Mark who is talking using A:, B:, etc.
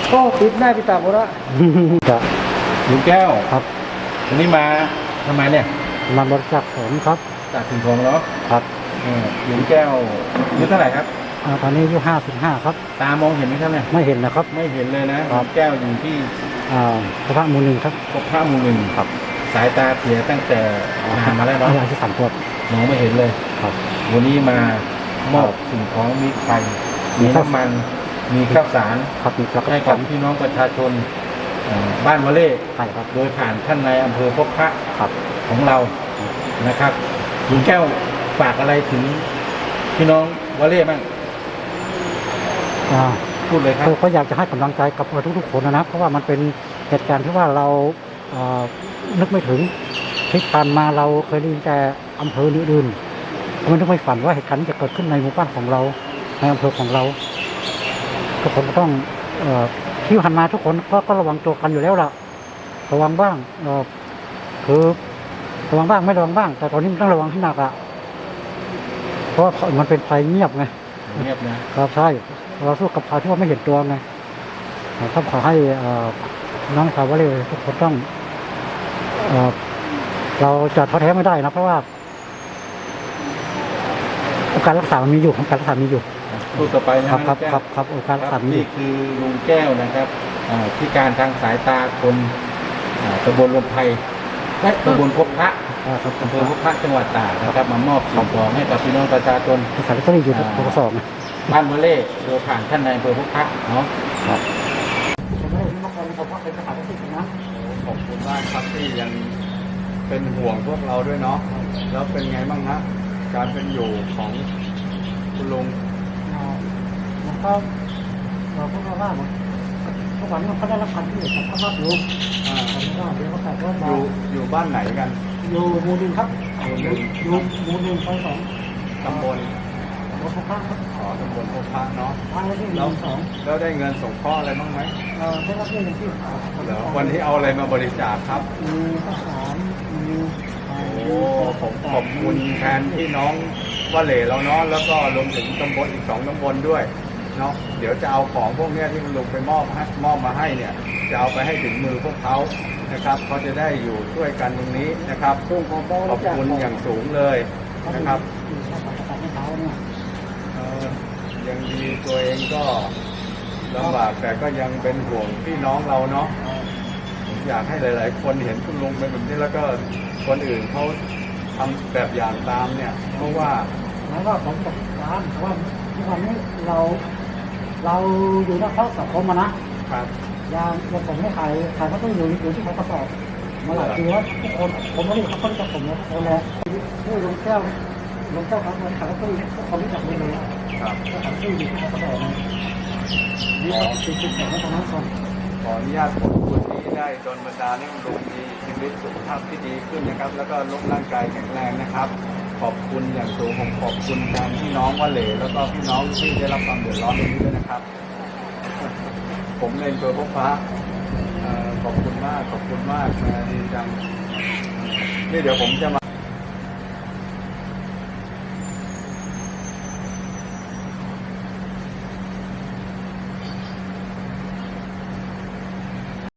A: ก็ปิดหน้าปิดตาหมดละครับ
B: ลุงแก้ว
A: ครับ
B: วันนี้มาทำไมเนี่ย
A: มาบริจาคของครับ
B: จากสิ่งของเนาะ
A: ครับ
B: ลุงแก้วอายุเท่าไหร่ครับ
A: ตอนนี้อายุ55ครับ
B: ตามองเห็นไหมครับเนี่ย
A: ไม่เห็นนะครับ
B: ไม่เห็นเลยนะลุงแก้วอยู่ที่
A: พระหมู่หนึ่งครับ
B: พระหมู่หนึ่ง
A: ครับ
B: สายตาเสียตั้งแต่นานมาแล้วเนาะ
A: อายุ3 ขวบ
B: มองไม่เห็นเลย
A: ครับ
B: วันนี้มามอบสิ่งของมีไฟมีน้ำมันมีข้าวสารให้กับพี่น้องประชาชนบ้านวะเล่โดยผ่านท่านนายอำเภอพบพระของเรานะครับลุงแก้วฝากอะไรถึงพี่น้องวะเล่บ้างพูดเลยครับ
A: ก็อยากจะให้กำลังใจกับทุกๆคนนะเพราะว่ามันเป็นเหตุการณ์ที่ว่าเรานึกไม่ถึงที่ผ่านมาเราเคยได้ยินแต่อำเภออื่นๆไม่นึกไม่ฝันว่าเหตุการณ์นี้จะเกิดขึ้นในหมู่บ้านของเราในอำเภอของเราทุกคนก็ต้องที่ผ่านมาทุกคนก็ระวังตัวกันอยู่แล้วล่ะระวังบ้างคือระวังบ้างไม่ระวังบ้างแต่ตอนนี้ต้องระวังให้หนักอ่ะเพราะมันเป็นภัยเงียบไง
B: เงียบนะครับ
A: ใช่เราสู้กับภัยที่ว่าไม่เห็นตัวไงต้องขอให้น้องชาววะเล่ทุกคนต้องเราจะท้อแท้ไม่ได้นะเพราะว่าโอกาสรักษามันมีอยู่ของการรักษามีอยู่
B: พูดต่อไป
A: ครับโอกาสรักษามี
B: นี่คือลุงแก้วนะครับพิการทางสายตาคนตำบลลมไพและตำบลพบพระอำเภอพบพระจังหวัดตากนะครับมามอบสิ่งของให้กับพี่น้องประชาชน
A: สารก็อยู่ปกสอง
B: บ้านวะเล่โดยผ่านท่านนายอำเภอพบพระเนาะ
A: ครับ
C: ขอบคุณมากครับที่ยังเป็นห่วงพวกเราด้วยเนาะแล้วเป็นไงบ้างฮะการเป็นอยู่ของคุณลุง
A: มันก็เราก็ว่าทุกวันนี้มันก็ได้รับการช่วยเหลือจากภาครัฐ
C: อยู่บ้านไหนกัน
A: อยู่หมู่หนึ่งครับอยู่หมู่หนึ่งซอย2
C: ตำบล
A: พบพระครับ
C: ตำบลพบพระเนาะแล้วได้เงินส่งข้ออะไรบ้างไหม
A: ได้รับเงินที่
C: วันที่เอาอะไรมาบริจาคครับ
A: ข้าวสาร
C: ผมขอบคุณแทนพี่น้องวะเล่เราเนาะแล้วก็รวมถึงตำบลอีก2 ตำบลด้วยเนาะเดี๋ยวจะเอาของพวกนี้ที่คุณลุงไปมอบมาให้เนี่ยจะเอาไปให้ถึงมือพวกเขานะครับเขาจะได้อยู่ช่วยกันตรงนี้นะครับขอบคุณอย่างสูงเลยนะครับยังดีตัวเองก็ลำบากแต่ก็ยังเป็นห่วงพี่น้องเราเนาะอยากให้หลายๆคนเห็นคุณลุงเป็นแบบนี้แล้วก็คนอื่นเขาทำแบบอย่างตามเนี่ยเพราะว่า
A: ผมบอกร้านว่าทุกวันนี้เราอยู่ในข้อสังคมนะครับอย่างผมไม่ขายก็ต้องอยู่ที่เขาสอบมาหลายปีแล้วทุกคนผมไม่ได้เขาต้องจับผมนะคนแล้วที่ลุงแก้วครับมันขายก็ต้องทุกคนรู้จักเลย
C: ครับ
A: ก็ขายที่อยู่ที่เขาสอบนะนี่ก็ติดแข่งให้ทางนั้นก่อน
C: ขออนุญาตขอบคุณที่ได้โดนบันดาลให้คุณลุงมีชีวิตสุขภาพที่ดีขึ้นนะครับแล้วก็ลดร่างกายแข็งแรงนะครับขอบคุณอย่างสูงผมขอบคุณแทนพี่น้องวะเล่แล้วก็พี่น้องที่ได้รับความเดือดร้อนตรงนี้ด้วยนะครับผมเองตัวพบพระขอบคุณมากนะดีจังนี่เดี๋ยวผมจะมา